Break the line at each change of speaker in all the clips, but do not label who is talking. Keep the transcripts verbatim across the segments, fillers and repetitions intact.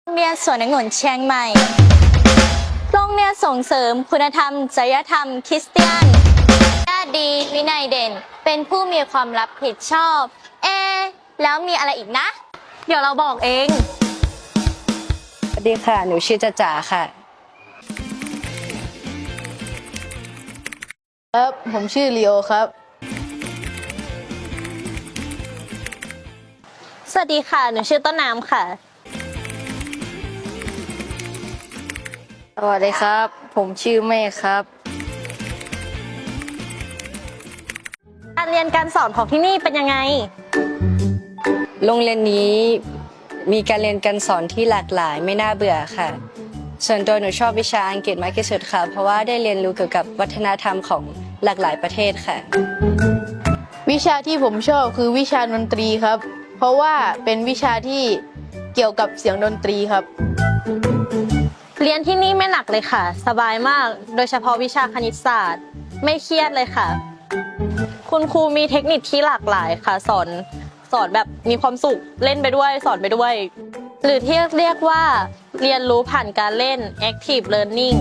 โรงเรียนสวนองุ่นเชียงใหม่โรงเรียนส่งเสริมคุณธรรมจริยธรรมคริสเตียนญาติดีวินัยเด่นเป็นผู้มีความรับผิดชอบเอแล้วมีอะไรอีกนะ เดี๋ยวเราบอกเอง
สวัสดีค่ะหนูชื่อจ๊ะจ๋าค่ะ
ครับผมชื่อลีโอครับ
สวัสดีค่ะหนูชื่อต้นน้ำค่ะ
สวัสดีครับผมชื่อเมฆครับ
การเรียนการสอนของที่นี่เป็นยังไง
โรงเรียนนี้มีการเรียนการสอนที่หลากหลายไม่น่าเบื่อค่ะส่วนตัวหนูชอบวิชาอังกฤษมากที่สุดค่ะเพราะว่าได้เรียนรู้เกี่ยวกับวัฒนธรรมของหลากหลายประเทศค่ะ
วิชาที่ผมชอบคือวิชาดนตรีครับเพราะว่าเป็นวิชาที่เกี่ยวกับเสียงดนตรีครับ
เรียนที่นี่ไม่หนักเลยค่ะสบายมากโดยเฉพาะวิชาคณิตศาสตร์ไม่เครียดเลยค่ะคุณครูมีเทคนิคที่หลากหลายค่ะสอนสอนแบบมีความสุขเล่นไปด้วยสอนไปด้วยหรือที่เรียกว่าเรียนรู้ผ่านการเล่น active learning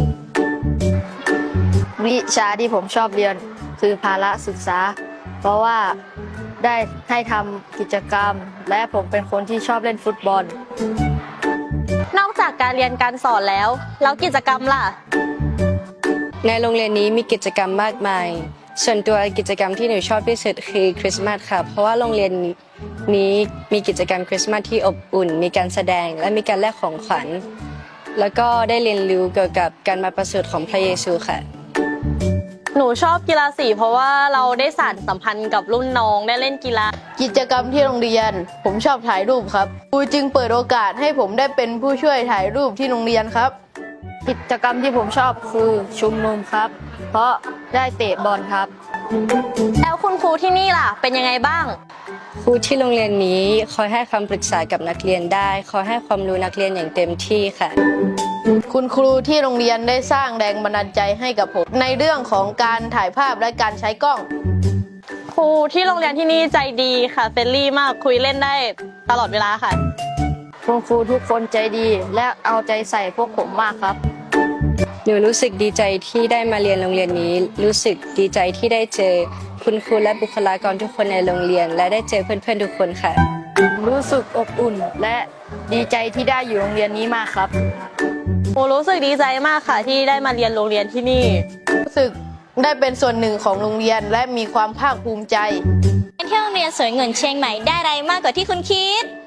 วิชาที่ผมชอบเรียนคือภาระศึกษาเพราะว่าได้ให้ทำกิจกรรมและผมเป็นคนที่ชอบเล่นฟุตบอล
นอกจากการเรียนการสอนแล้วแล้วกิจกรรมล่ะ
ในโรงเรียนนี้มีกิจกรรมมากมายส่วนตัวกิจกรรมที่หนูชอบที่สุดคือคริสต์มาสค่ะเพราะว่าโรงเรียนนี้มีกิจกรรมคริสต์มาสที่อบอุ่นมีการแสดงและมีการแลกของขวัญแล้วก็ได้เรียนรู้เกี่ยวกับการมาประสูติของพระเยซูค่ะ
หนูชอบกีฬาสีเพราะว่าเราได้สานสัมพันธ์กับรุ่นน้องได้เล่นกีฬา
กิจกรรมที่โรงเรียนผมชอบถ่ายรูปครับครูจึงเปิดโอกาสให้ผมได้เป็นผู้ช่วยถ่ายรูปที่โรงเรียนครับกิจกรรมที่ผมชอบคือชุมนุมครับเพราะได้เตะบอลครับ
แล้วคุณครูที่นี่ล่ะเป็นยังไงบ้าง
ครูที่โรงเรียนนี้คอยให้คำปรึกษากับนักเรียนได้คอยให้ความรู้นักเรียนอย่างเต็มที่ค่ะ
คุณครูที่โรงเรียนได้สร้างแรงบันดาลใจให้กับผมในเรื่องของการถ่ายภาพและการใช้กล้อง
ครูที่โรงเรียนที่นี่ใจดีค่ะเฟรนลี่มากคุยเล่นได้ตลอดเวลาค่ะ
คุณครูทุกคนใจดีและเอาใจใส่พวกผมมากครับ
หนูรู้สึกดีใจที่ได้มาเรียนโรงเรียนนี้รู้สึกดีใจที่ได้เจอคุณครูและบุคลากรทุกคนในโรงเรียนและได้เจอเพื่อนๆทุกคนค่ะ
รู้สึกอบอุ่นและดีใจที่ได้อยู่โรงเรียนนี้มากครับ
โอ้รู้สึกดีใจมากค่ะที่ได้มาเรียนโรงเรียนที่นี่
รู้สึกได้เป็นส่วนหนึ่งของโรงเรียนและมีความภาคภูมิใจ
เที่ยวโรงเรียนสวนองุ่นเชียงใหม่ได้อะไรมากกว่าที่คุณคิด